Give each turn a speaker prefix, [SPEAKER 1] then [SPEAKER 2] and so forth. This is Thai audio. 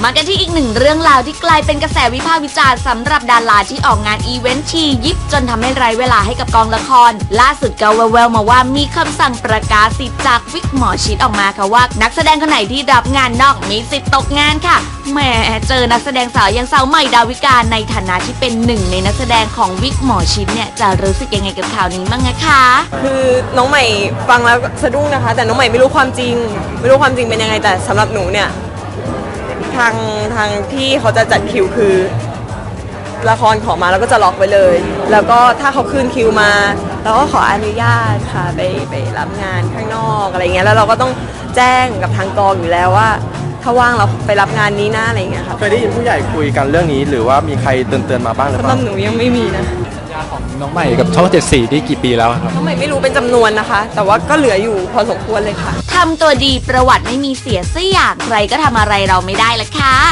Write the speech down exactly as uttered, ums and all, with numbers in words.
[SPEAKER 1] มากันที่อีกหนึ่งเรื่องราวที่กลายเป็นกระแสวิพากษ์วิจารณ์สำหรับดาราที่ออกงานอีเวนต์ทียิบจนทำให้ไร้เวลาให้กับกองละครล่าสุดก็แววๆมาว่ามีคำสั่งประกาศสิทธิ์จากวิกหมอชิดออกมาค่ะว่านักแสดงคนไหนที่รับงานนอกมีสิทธิ์ตกงานค่ะแหมเจอนักแสดงสาวอย่างสาวใหม่ดาวิกาในฐานะที่เป็นหนึ่งในนักแสดงของวิกหมอชิดเนี่ยจะรู้สึกยังไงกับข่าวนี้บ้างนะคะ
[SPEAKER 2] คือน้องใหม่ฟังแล้วสะดุ้งนะคะแต่น้องใหม่ไม่รู้ความจริงไม่รู้ความจริงเป็นยังไงแต่สำหรับหนูเนี่ยทางทางที่เขาจะจัดคิวคือละครขอมาแล้วก็จะล็อกไว้เลยแล้วก็ถ้าเขาคืนคิวมาเราก็ขออนุญาตค่ะไปไปรับงานข้างนอกอะไรเงี้ยแล้วเราก็ต้องแจ้งกับทางกองอยู่แล้วว่าถ้าว่างเราไปรับงานนี้นะอะไรเงี้ยค่ะ
[SPEAKER 3] เคยได้ยินผู้ใหญ่คุยกันเรื่องนี้หรือว่ามีใครเตือนเตือนๆมาบ้างหรือเป
[SPEAKER 2] สำหรั
[SPEAKER 3] ล่า
[SPEAKER 2] บหนูยังไม่มีนะ
[SPEAKER 4] น้องใหม่กับช่องเจ็ดสีนี่กี่ปีแล้วครับ
[SPEAKER 2] น้องใหม่ไม่รู้เป็นจำนวนนะคะ แต่ว่าก็เหลืออยู่พอสมควรเลยค่ะ
[SPEAKER 1] ทำตัวดีประวัติไม่มีเสียสักอย่างใครก็ทำอะไรเราไม่ได้ละค่ะ